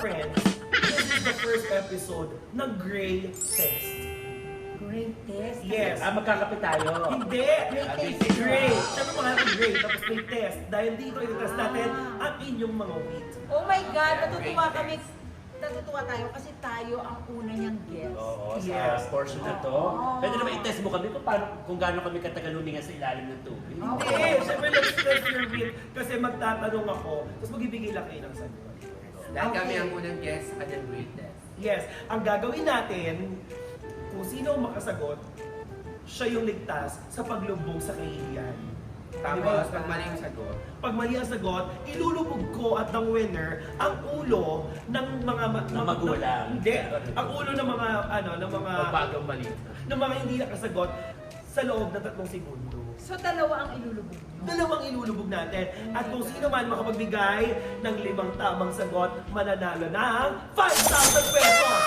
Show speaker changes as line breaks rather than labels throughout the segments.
friends, this is the first episode ng Gray Test.
Great test.
Yes.
Magkakapit tayo.
Hindi! Gray! Sabi mo nga Gray, tapos may test. Dahil dito, i-test natin ang inyong mga wheat.
Oh my God, natutuwa kami. Natutuwa tayo kasi tayo ang una niyang guest.
Oo,
Yes.
sa portion na to. Pwede naman i-test mo kami kung gaano kami katagal huminga sa ilalim ng tubig.
Hindi! Siyempre, let's test your wheat. Kasi magtatanong ako, tapos magbibigay lang kayo ng sagot.
Dahil kami ang unang guest at the great test.
Yes, ang gagawin natin, kung sino ang makasagot, siya yung ligtas sa paglubog sa kahihiyan.
Tapos, pag mali yung sagot,
Pag mali ang sagot, ilulubog ko at ng winner ang ulo ng mga
magulang.
Hindi, ang ulo ng mga
magbagang mali.
ng mga hindi nakasagot sa loob ng 3 segundo.
So dalawa ang ilulubog niyo.
Dalawang ilulubog natin. At kung sino man makapagbigay ng 5 tamang sagot, mananalo ng 5,000 pesos!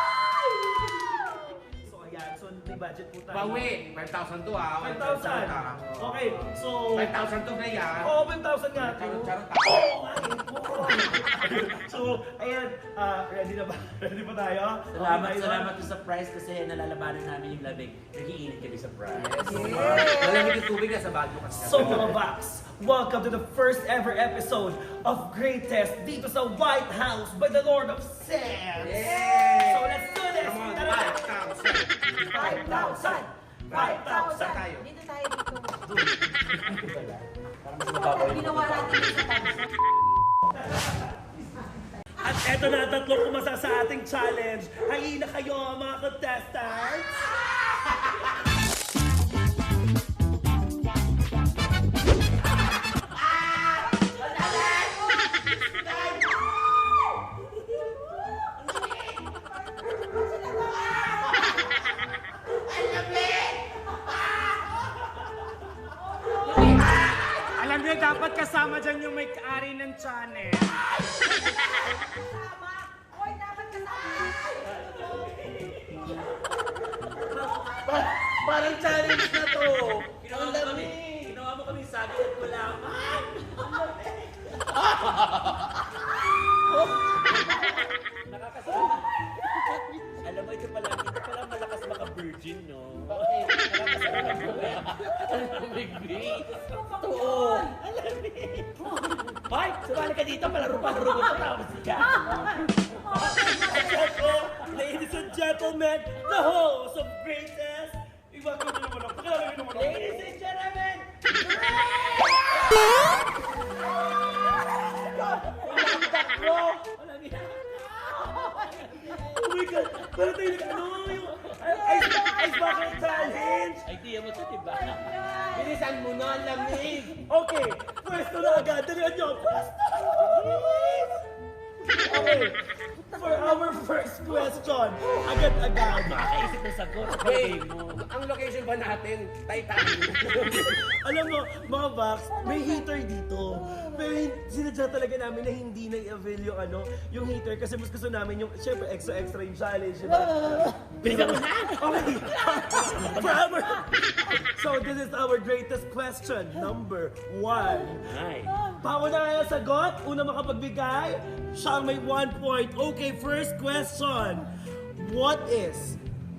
So ayan, so may budget po tayo.
Bawi! 5,000 to
5,000. Okay, so...
5,000 to na yan.
Oo, 5,000 nga.
Charot-charot.
Oo, nga eh. Oo. So, ayan, ready na ba? Ready pa tayo?
Salamat sa prize kasi nalalabanan namin yung labig. Nag-iinit kami sa prize.
Malamig yung tubig na sa bago kasi.
So mga Vox, welcome to the first ever episode of Great Test dito sa White House by the Lord of Sands.
Yay!
So let's do this!
Come on,
Tara!
5,000!
5,000!
tayo.
Dito tayo dito.
Parang mas mababaw yung
Ginawa natin yung sa tanso.
At eto na, 3 pumasa sa ating challenge. Halina kayo mga contestants!
Alam niyo, dapat kasama dyan yung may-ari ng channel.
Kasama. Hoy, dapat kasama.
Parang challenge na to! Ginawa mo kami sabi at kulaman! Nakakasama. Alam mo, ito pala malakas maka-virgin, no? Nakakasama ko eh. Totoo! Hoy! Sumali ka dito, palaro-palaro mo ito tapos ka!
Ladies and gentlemen, the host of Greatest! Welcome to naman ako. Pakilala naman ako.
Ladies and gentlemen!
Oh my God! Parang tayo yung ice bucket challenge!
Idea mo ito, diba? Bilisan mo na, ang lamig!
Okay, pwesto na agad. Dalihan niyo. Pwesto! Okay, for our first question, agad-agad.
Makakaisip ng sagot. Hey mo.
Ang location ba natin? Titanic.
Alam mo, mga Vax, may heater dito. Pero sinadya talaga namin na hindi na i-avail yung heater kasi mas gusto namin yung, syempre, extra yung challenge, diba?
Bilisan mo na!
Okay. For our... So, this is our greatest question. Number 1.
Ay.
Pauna nga yung sagot. Una makapagbigay. Siya ang may 1 point. Okay, first question. What is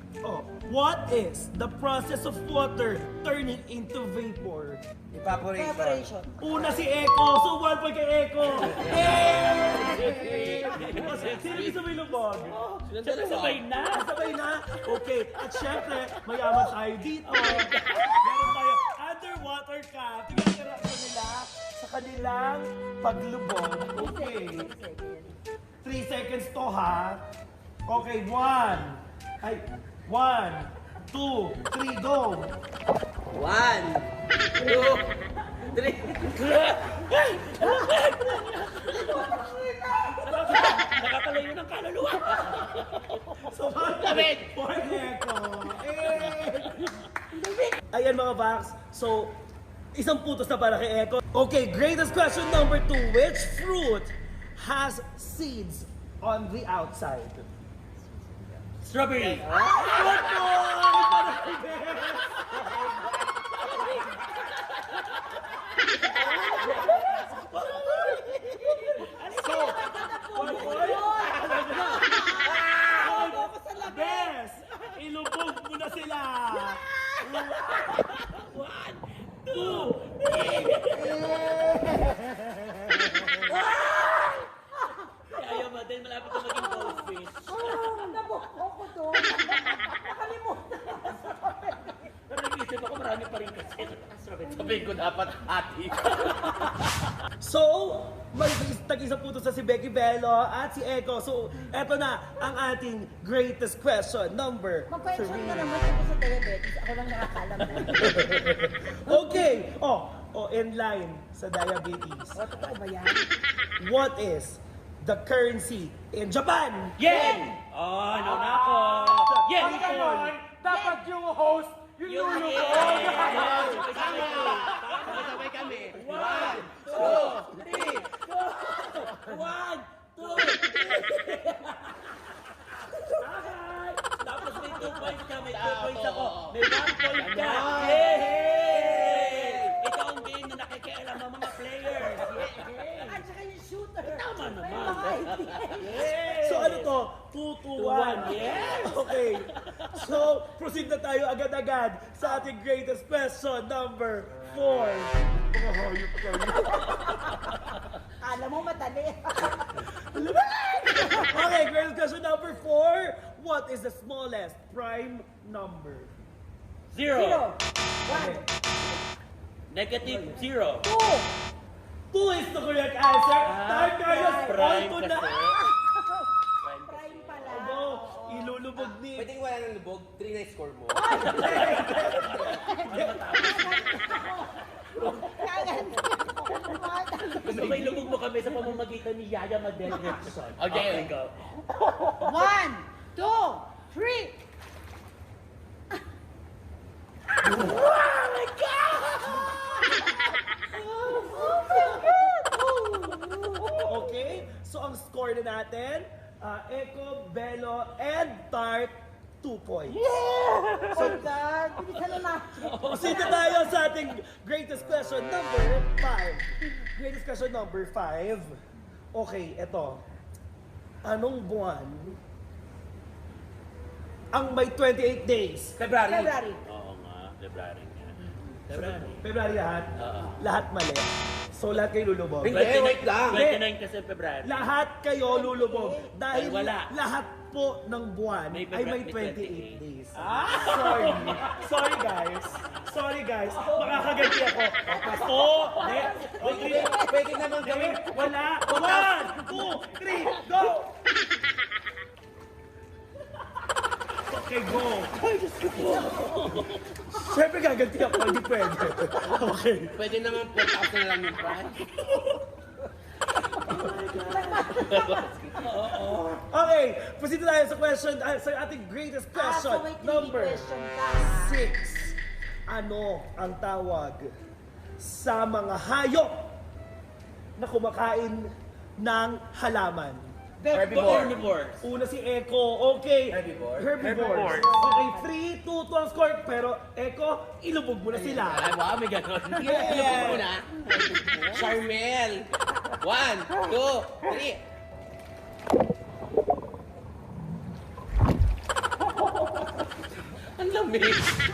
the process of water turning into vapor?
Evaporation.
Una si Eko. So, 1 point kay Eko. Yay! Sino gusto may lubog?
Siyempre sabay na!
Sabay na? Okay. At syempre, mayaman tayo dito. Meron tayo underwater cam. Tingnan ka reaction nila sa kanilang paglubog. Okay. 3 seconds to ha. Okay, 1. 1, 2, 3, go!
1, 2, 3. Nakakalayo ng kaluluwa!
So,
David!
for Eko. Ayan mga Vax. So, isang putos na para kay Eko. Okay, greatest question number 2. Which fruit has seeds on the outside?
Strawberry!
So, 1 point.
Sabihin ko dapat ati.
So, may tag-isa po sa si Becky Bello at si Eko. So, eto na ang ating greatest question, number
Mag-question
3.
ka naman tungkol sa diabetes. Ako lang nakakalam na.
Okay. In line sa diabetes.
Totoo ba yan?
What is the currency in Japan?
Yen!
Oh, no na ako. Yes,
Pag ganon, dapat yung host, yung lulubog.
Sabay kami.
1, 2, 3, 1, 2, 3. Tapos may 2 points ka, may 2 points ako. May 1 point ka. Yay! Ito ang game na nakikialam ang mga players. Yay!
At saka yung shooter.
Tama naman.
May mga idea.
So ano to? 2 to 1.
Yes!
Okay. So, proceed na tayo agad-agad sa ating greatest question, number 4. Mga hayop kayo.
Alam mo, matali.
Okay, greatest question number 4. What is the smallest prime number?
0.
Okay.
Negative 0.
2 is the correct answer. Time Carlos, all
Prime
to na.
kasi.
Prime pala.
Ano, ilulubog ni...
Pwedeng wala ng lubog, 3 na yung score mo.
Gusto may lubog mo kami sa pamamagitan ni Yaya Madel Jackson.
Okay.
go.
1, 2, 3.
Okay, so ang score na natin, Eko, Bello, and Tart, 2 points.
So, God, bilisan na natin.
Proceed na tayo sa ating greatest question number 5. Greatest question number 5. Okay, eto. Anong buwan ang may 28 days?
February.
February.
Oo nga, February nga. February.
February lahat?
Oo.
Lahat mali. So lahat kayo lulubog.
Hindi, wait lang.
29 kasi February.
Lahat kayo lulubog. Dahil
Ay, wala.
lahat po ng buwan
May
ay may
February,
28 days. Sorry. Sorry guys. Sorry guys. Makakaganti ako. Hindi. Okay.
Pwede naman gawin.
Wala. 1, 2, 3, go! Okay, go. Siyempre gaganti ako. Hindi pwede. Okay.
Pwede naman 4,000 na lang yung price.
Okay. Proceed na tayo sa question. Sa ating greatest question.
So may
Number
question ka.
6. Ano ang tawag sa mga hayop na kumakain ng halaman?
Herbivores.
Una si Eko. Okay.
Herbivores.
Okay, 3, 2, 2 ang score. Pero Eko, ilubog mo na sila.
Ay, wow, may ganon.
Yeah.
Ilubog mo na. Charmel. 1, 2, 3. Ang lamig.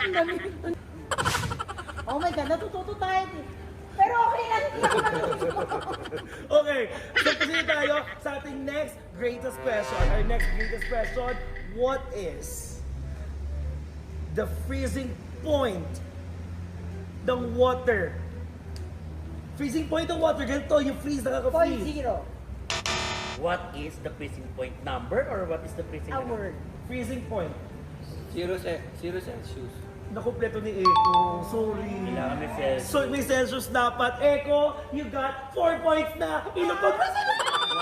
Oh my God, natututo tayo. Pero okay lang. Hindi ako natututo.
Okay, so proceed tayo sa ating next greatest question. Our next greatest question, what is the freezing point ng water? Freezing point ng water, ganito, yung freeze, nakaka-freeze.
0.0.
What is the freezing point number or what is the freezing
A word.
Freezing point.
0 Celsius.
Nakumpleto ni Eko, sorry.
Kailangan may Celsius.
So may Celsius dapat. Eko, you got 4 points na. Ilubog na sila.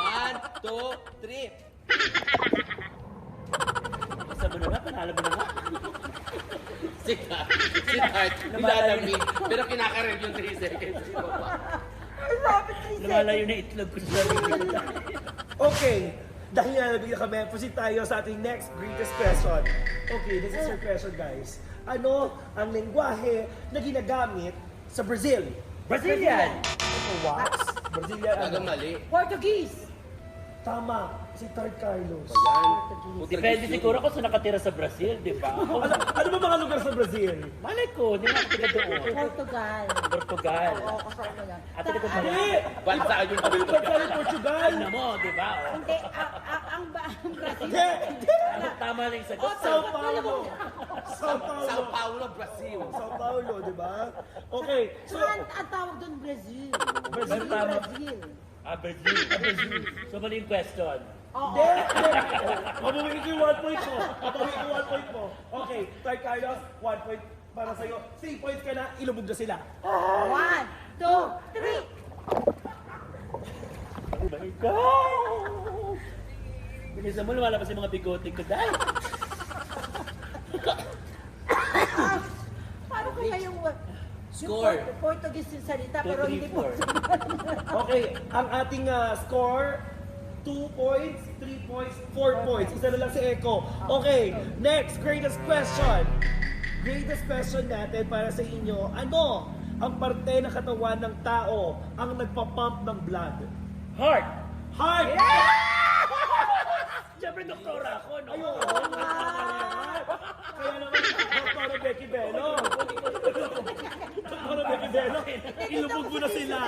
1, 2, 3.
Isa mo na nga, panalo mo na nga.
Si Tart, nilalamig. Pero kinakarag yung 3 seconds.
Lumalayo na itlog ko sa sarili.
Okay, dahil nalabig na kami, proceed tayo sa ating next greatest question. Okay, this is your question, guys. Ano ang lengguwahe na ginagamit sa Brazil?
Brazilian!
What? Brazilian
Talagang
ano?
mali.
Portuguese.
Tama, si Tart Carlos.
Yan.
Depende siguro kung saan nakatira sa Brazil, di ba?
Ano ba mga lugar sa Brazil?
Malay ko, hindi na ako taga doon.
Portugal.
Portugal.
Oo, kasama yan.
Ate ko ba?
Hindi!
Bansa yung
Ano ba tayo Portugal?
Ano mo, di ba? Oh.
Hindi, ang Brazil.
Hindi! Hindi!
Ano, tama lang yung sagot.
Sao Paulo! Sao Paulo.
Sao Paulo, Brazil.
Sao Paulo, di ba? Okay, so...
So, ang tawag doon, Brazil.
Brazil,
tama.
Brazil.
Brazil. So, mali yung question.
Oo.
Hindi, hindi. Mabubuhin ko yung 1 point mo. Mabubuhin ko yung 1 point mo. Okay, Tay Carlos, 1 point para sa'yo. 3 points ka na, ilubog na sila.
1, 2, 3.
Oh my God! Bilisan mo, lumalabas yung mga bigote ko dahil.
Paano kaya yung
Score.
Portuguese yung salita,
2,
pero
3,
hindi po.
4.
Okay, ang ating score, 2 points, 3 points, 4 points. Isa na lang si Echo. Okay, next, greatest question. Greatest question natin para sa inyo. Ano ang parte ng katawan ng tao ang nagpapump ng blood?
Heart!
Heart!
Siyempre, doktora ako, no?
Ayun! Kaya naman, Dr. Becky Bello. Dr. Becky Bello, ilubog mo na sila.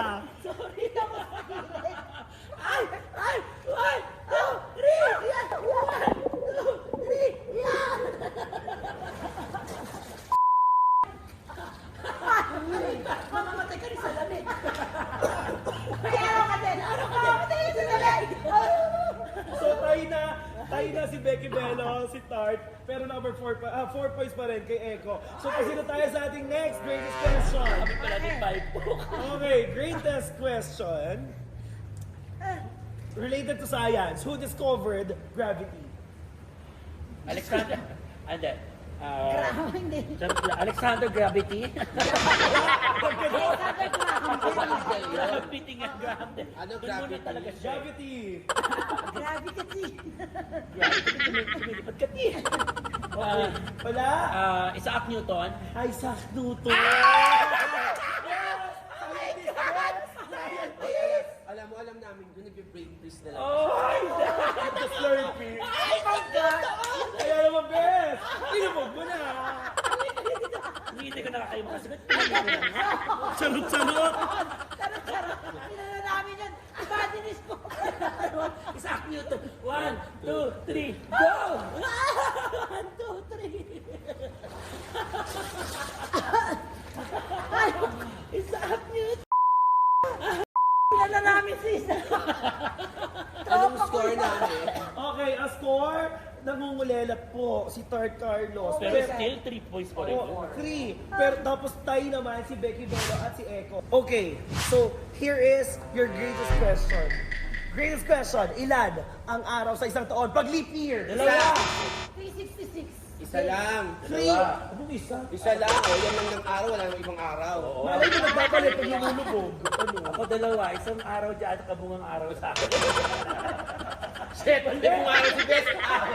Mamamatay ka rin sa lamig. Kaya ano ka din? Mamamatay ka rin sa lamig.
So tayo na si Becky Bello, si Tart, pero number 4 points pa rin kay Echo. So pasino tayo sa ating next greatest question.
Kami pala ni 5 po.
Okay, greatest question. Related to science, who discovered gravity?
Alexander. Ande.
Graham, hindi.
Alexander Gravity.
Alexander Graham.
Gravity nga, Graham.
Ano
Doon muna
gravity?
talaga siya.
Gravity!
Grabe kasi.
Gravity, lumilipad ka ti.
Wala?
Isaac Newton.
Isaac Newton!
Alam namin doon, nag-brain freeze na lang.
The Slurpee!
Oh my God!
Kaya naman, Bes! Ilubog mo na!
Hindi ko nakakayo makasagot.
Charot-charot!
Sarap-sarap. Pinala namin yan. Ibadinis ko.
Isaac Newton. 1, 2, 3, go!
1, 2, 3.
Isaac Newton.
Pinala namin si Isa.
Anong score namin?
Okay, ang score, nangungulelat po si Tart Carlos.
Pero still 3 points pa rin.
Oh, 3. Pero tapos tayo naman si Becky Bello at si Echo. Okay, so here is your greatest question. Greatest question, ilan ang araw sa isang taon? Pag leap year!
Dalawa.
366.
Isa lang.
3! Anong isa?
Isa lang. O, yan lang ng araw. Wala namang ibang araw.
Malay mo nagpapalit pag lumulubog. Ano?
Ako dalawa. Isang araw dyan at kabungang araw sa akin.
Shit! Hindi kung araw si Best.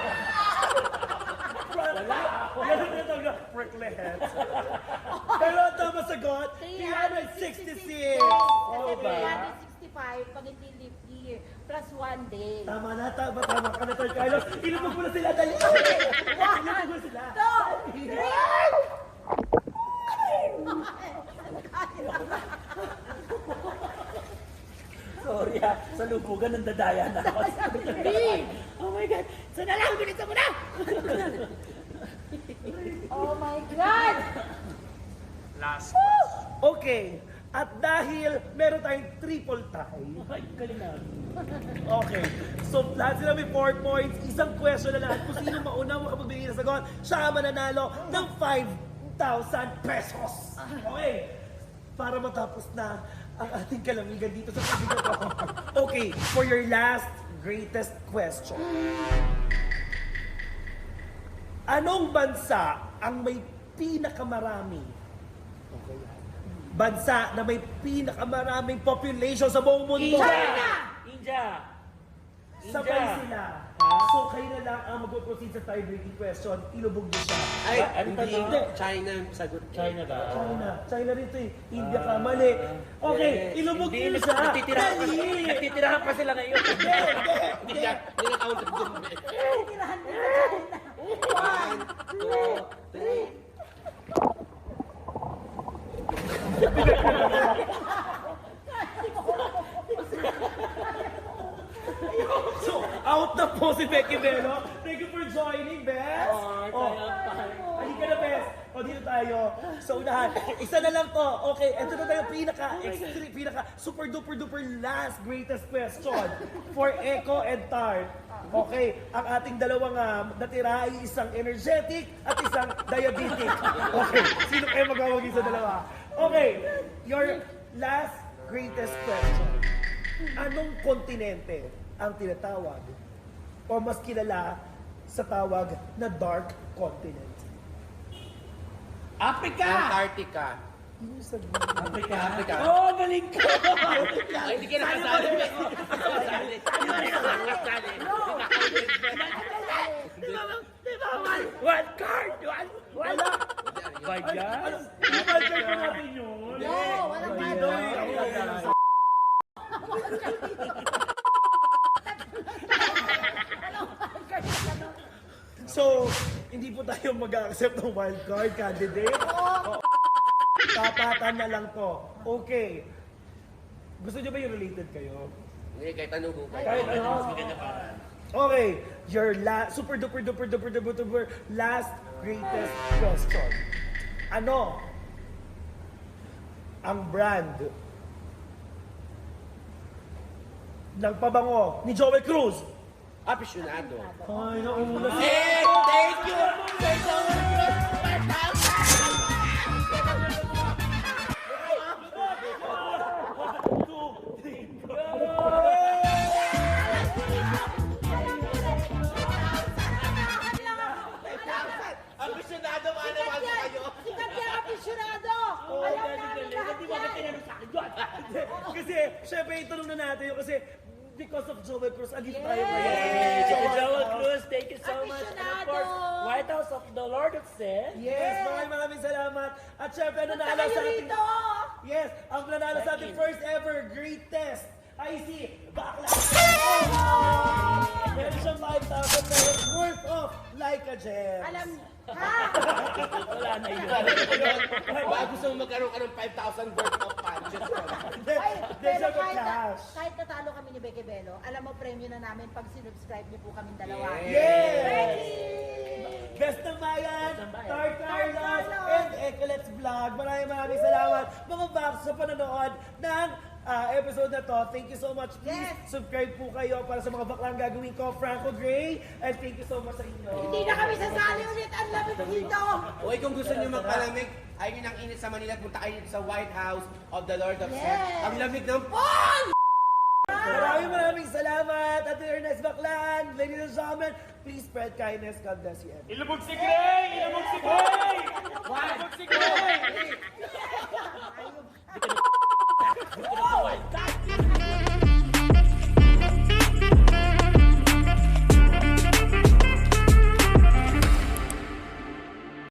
Wala ako. Yan ang tinatawag na prickly heads. Pero ang tama sagot, 366!
Kasi
Okay.
365 pag hindi leap year. Plus 1 day.
Tama ka na, Tart Carlos. Ilubog mo na sila, dali! Ilubog mo sila.
2, 3.
Sorry ha. Sa lubugan, nandadaya na ako. Oh my God. Sana lang, bilisan mo na!
Oh my God!
Last question.
Okay. At dahil meron tayong triple tie,
Ay, galing na.
okay. So, lahat sila may 4 points. Isang question na lang. Kung sino mauna makapagbigay ng sagot, siya ang mananalo ng 5,000 pesos. Okay. Para matapos na ang ating kalamigan dito sa pagbigat ko. Okay. For your last greatest question. Anong bansa ang may pinakamarami? Okay. Bansa na may pinakamaraming population sa buong mundo.
India!
Sabay sila. So kayo na lang ang mag-proceed sa tie-breaking question. Ilubog niyo siya.
Ay,
Ano
hindi.
tanong?
China ang sagot.
China ba?
China rin ito eh. India ka, mali. Okay, ilubog niyo siya. Dali!
Nagtitirahan pa sila ngayon.
Hindi na count sa dumbe.
Tirahan din sa China.
1, 2, 3.
So, out na po si Becky Bello. Thank you for joining, Beth.
Oh,
Oh,
kaya pa.
halika na, O dito tayo sa unahan. Isa na lang to. Okay, ito na tayo pinaka super duper duper last greatest question for Echo and Tart. Okay, ang ating dalawang natira ay isang energetic at isang diabetic. Okay, sino kayo magawagi sa dalawa? Okay, your last greatest question. Anong kontinente ang tinatawag o mas kilala sa tawag na dark continent?
Africa!
Antarctica.
Africa?
Africa.
Oh, galing ko!
Ay, hindi ka nakasali. Nakasali.
Di ba, one card! Wala! Ba yan?
Di ba check ko natin yun?
No, walang
Ay,
bad.
ay, ay, ay. So, hindi po tayo mag-accept ng wildcard candidate. Tapatan na lang to. Okay. Gusto niyo ba yung related kayo?
Hindi, kahit anong buka.
Kahit ano. Okay. Your super duper duper duper duper duper last greatest question. Ano ang brand ng pabango ni Joel Cruz?
Aficionado.
Ay, nauna si...
Eh, thank you! Thank you! Aficionado, ano ba kayo?
Sikat yan, aficionado!
Oh,
Alam
galing,
namin
galing.
lahat
Hindi mo ba
yan.
tinanong sa akin doon?
Kasi, syempre, itanong na natin yun kasi because of Joel Cruz, andito tayo
Yes!
ngayon.
Joel Cruz, thank you so much. And of course,
Aficionado!
White House of the Lord of Sin.
Yes, maraming salamat. At syempre, ang nanalo
Tayo
sa ating...
rito!
Yes, ang nanalo sa ating first ever great test ay si Bakla. Meron siyang 5,000 pesos worth of like a gem.
Alam, ha?
Wala na yun.
Baka gusto mo magkaroon ka ng 5,000 worth of punches.
Ay, pero kahit,
cash.
kahit natalo kami ni Beke Bello, alam mo, premyo na namin pag sinubscribe niyo po kami dalawa.
Yes!
Ready?
Best ng Bayan, Tart Carlos,
Carlos.
and Ecolets Vlog. Maraming salamat mga box sa panonood ng episode na to. Thank you so much. Please
Yes.
subscribe po kayo para sa mga baklang gagawin ko, Franco Gray. And thank you so much sa inyo.
Hindi na kami sasali ulit. Ang lamig dito.
Okay, kung gusto nyo magpalamig, ayun yun ang init sa Manila, punta kayo dito sa White House of the Lord of Sin.
Yes.
Ang lamig ng Paul!
Maraming salamat. At your next baklan, ladies and gentlemen, please spread kindness. God bless you.
Ilubog si Gray! Ilubog si Gray! Ilubog si Gray!